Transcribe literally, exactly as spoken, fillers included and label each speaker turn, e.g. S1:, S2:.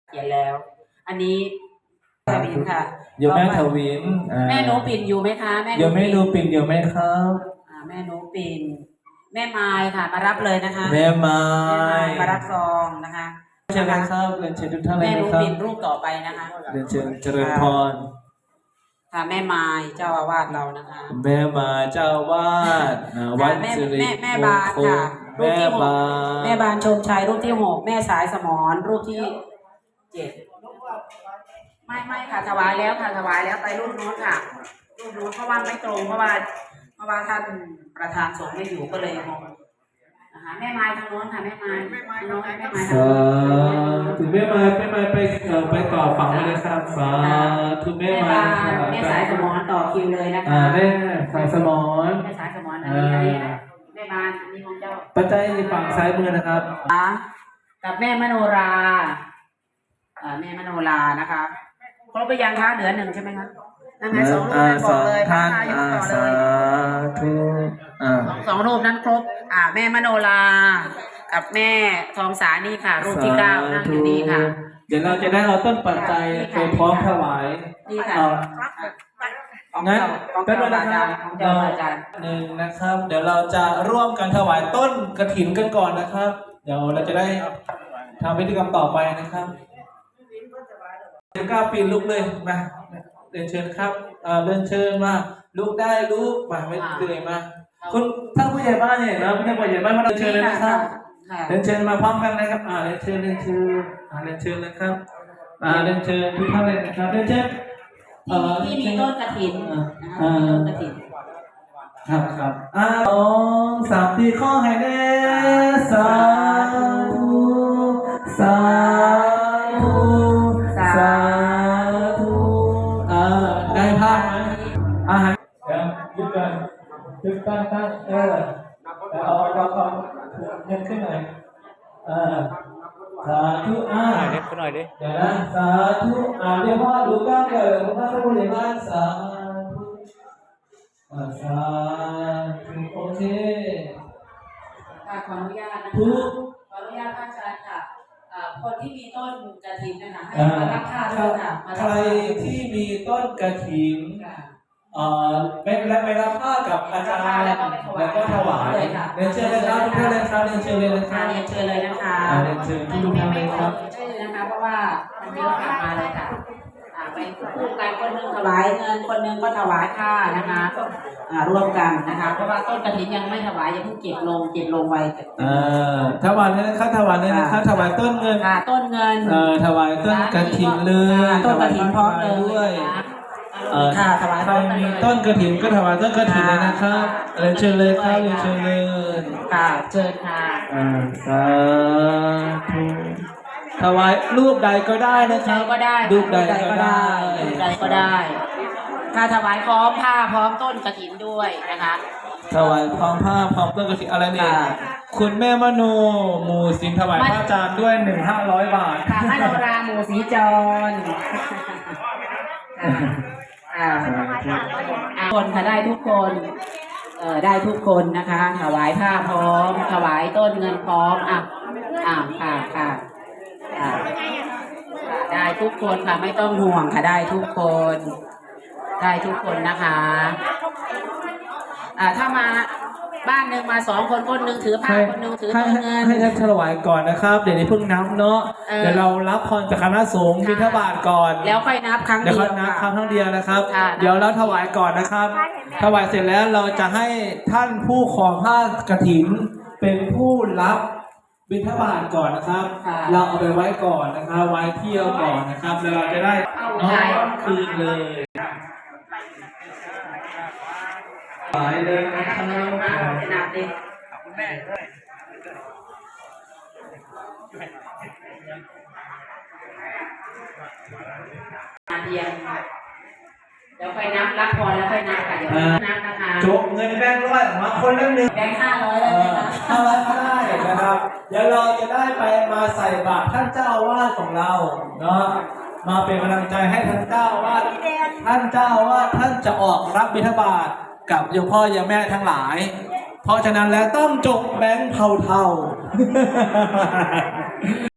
S1: เขียนแล้ว อันนี้ทวินค่ะ
S2: โยมแม่ทวิน
S1: แม่หนูปิ่นอยู่ไหมคะแม่
S2: โยมแม่หนูปิ่นอยู่ไหมครับ
S1: แม่หนูปิ่นแม่ไม้ค่ะมารับเลยนะคะ
S2: แม่ไม้
S1: มารับซองนะคะ
S2: เชิญเลยครับเรียนเชิญทุกท่านเลยนะครับ
S1: แม่หนูปิ่นรูปต่อไปนะคะ
S2: เรียนเชิญเจริญพร
S1: ค่ะแม่ไม้เจ้าอาวาสเรานะคะ
S2: แม่มาเจ้าอาวาสวัดสิริ
S1: แม่บานค่ะรูปที่หกแม่บานชมชัยรูปที่หกแม่สายสมรรูปที่เจ็ดไม่ไม่ค่ะถวายแล้วค่ะถวายแล้วไปรูปนู้นค่ะรูปนู้นเพราะว่าไม่ตรงเพราะว่าเพราะว่าท่านประธานสงฆ์ไม่อยู่ก็เลยงงนะคะแม่ไม้ทางโน้นค่ะแม่ไม้ทางโน้นแม่ไม้
S2: ถึงแม่ไม้แม่ไม้ไปไปต่อฝั่งเลยครับสาธุแม่ไม้
S1: แม่สายสมรต่อคิวเลยนะคะ
S2: แม่สายสมร
S1: แม่สายสมรอันนี้อันนี้แม่บ้านอันนี้ของเจ้า
S2: ปัจจัยฝั่งซ้ายมือนะครับ
S1: กับแม่มโนราแม่มโนรานะคะครบไปยังคะเหลือหนึ่งใช่ไหมคะนั่นไงสองรูปบอกเลยพระนายกต่อเลยสองรูปนั้นครบอ่าแม่มโนรากับแม่ทองสานี่ค่ะรูปที่เก้านั่งอยู่นี่ค่ะ
S2: เดี๋ยวเราจะได้เอาต้นปัจจัยไปพร้อมถวาย
S1: นี่ค่ะ
S2: งั้นเป็นเวลาครับหนึ่งนะครับเดี๋ยวเราจะร่วมกันถวายต้นกฐินกันก่อนนะครับเดี๋ยวเราจะได้ทำพิธีกรรมต่อไปนะครับเดี๋ยวก้าวปีนลุกเลยมาเรียนเชิญครับเรียนเชิญมาลุกได้ลุกมาไม่เตื่อยมาคุณท่านผู้ใหญ่บ้านเนี่ยนะผู้ใหญ่บ้านมาเรียนเชิญเลยนะครับเรียนเชิญมาพร้อมกันนะครับอ่าเรียนเชิญเรียนเชิญอ่าเรียนเชิญนะครับอ่าเรียนเชิญทุกท่านเลยนะครับเรียนเชิญ
S1: ที่มีต้นกฐินนะคะมีต้นกฐิน
S2: ครับครับอ่าสองสามสี่ข้อให้แน่สาธุสาธุสาธุอ่าได้ภาพไหมอาหารเดี๋ยวยึดกันยึดตั้งตั้งเออเอาเอาเอาเงินขึ้นหน่อยเออสาธุอ่าเด็กขึ้นหน่อยดิเดี๋ยวนะสาธุอ่าเรียกว่าดูก้าวเลยพระพุทธเจ้าสาธุอ่าสาธุโอเค
S1: ขออนุญาตนะคะขออนุญาตพระอาจารย์ค่ะคนที่มีต้นกฐินนะคะให้มารับผ้าด้วยค่ะ
S2: ใครที่มีต้นกฐินอ่าไม่และไม่รับผ้ากับอาจารย์แล้วก็ถวายเรียนเชิญเลยครับทุกท่านเลยครับเรียนเชิญเลยนะครับ
S1: เรียนเชิญเลยนะคะ
S2: เรียนเชิญทุกท่านเลยครับ
S1: ชื่อนะคะเพราะว่ามันเยอะกลับมาเลยค่ะไปคู่กันคนหนึ่งถวายเงินคนหนึ่งก็ถวายผ้านะคะร่วมกันนะคะเพราะว่าต้นกฐินยังไม่ถวายยังเพิ่งเก็บลงเก็บลงไว้
S2: อ่าถวายเลยนะครับถวายเลยนะครับถวายต้นเงิน
S1: ต้นเงิน
S2: เอ่อถวายต้นกฐินเลย
S1: ต้นกฐินพร้อมเลย
S2: ด้วย
S1: ค่ะถวาย
S2: ใครมีต้นกฐินก็ถวายต้นกฐินเลยนะครับเรียนเชิญเลยครับเรียนเชิญเลย
S1: ค่ะเชิญค่ะ
S2: อ่าสาธุถวายรูปใดก็ได้นะครับ
S1: ก็ได้
S2: รูปใดก็ได้
S1: รูปใดก็ได้ค่ะถวายพร้อมผ้าพร้อมต้นกฐินด้วยนะคะ
S2: ถวายพร้อมผ้าพร้อมต้นกฐินอะไรเนี่ยคุณแม่มโนหมู่สินถวายพระอาจารย์ด้วยหนึ่งห้าร้อยบาท
S1: ค่ะมโนราหมู่สีจรคนค่ะได้ทุกคนเอ่อได้ทุกคนนะคะถวายผ้าพร้อมถวายต้นเงินพร้อมอ่ะอ่าค่ะค่ะได้ทุกคนค่ะไม่ต้องห่วงค่ะได้ทุกคนได้ทุกคนนะคะอ่าถ้ามาบ้านหนึ่งมาสองคนคนหนึ่งถือผ้าคนหนึ่งถือต้นเงิน
S2: ให้ท่านถวายก่อนนะครับเดี๋ยวนี้เพิ่งนับเนาะเดี๋ยวเรารับพรจากคณะสงฆ์บิณฑบาตก่อน
S1: แล้วค่อยนับครั้งเดียว
S2: เดี๋ยวค่อยนับครั้งเดียวนะครับเดี๋ยวเราถวายก่อนนะครับถวายเสร็จแล้วเราจะให้ท่านผู้ครองผ้ากฐินเป็นผู้รับบิณฑบาตก่อนนะครับเราเอาไปไว้ก่อนนะครับไว้เที่ยวก่อนนะครับแล้วเราจะได้น้อมคืนเลยไปเลยนะครับ
S1: นับดิคุณแม่ด้วยเดียนเดี๋ยวค่อยนับรับพรแล้วค่อยนับค่ะเดี๋ยวนับนะคะ
S2: จบเงินแบงค์ร้อยมาคนละหนึ่ง
S1: แบงค์ห้าร้อยเลยนะคะ
S2: ห้าร้อยก็ได้นะครับเดี๋ยวเราจะได้ไปมาใส่บาตรท่านเจ้าวาดของเราเนาะมาเป็นกำลังใจให้ท่านเจ้าวาดท่านเจ้าวาดท่านจะออกรับบิณฑบาตกับโยมพ่อโยมแม่ทั้งหลายเพราะฉะนั้นแล้วต้องจบแบงค์เท่า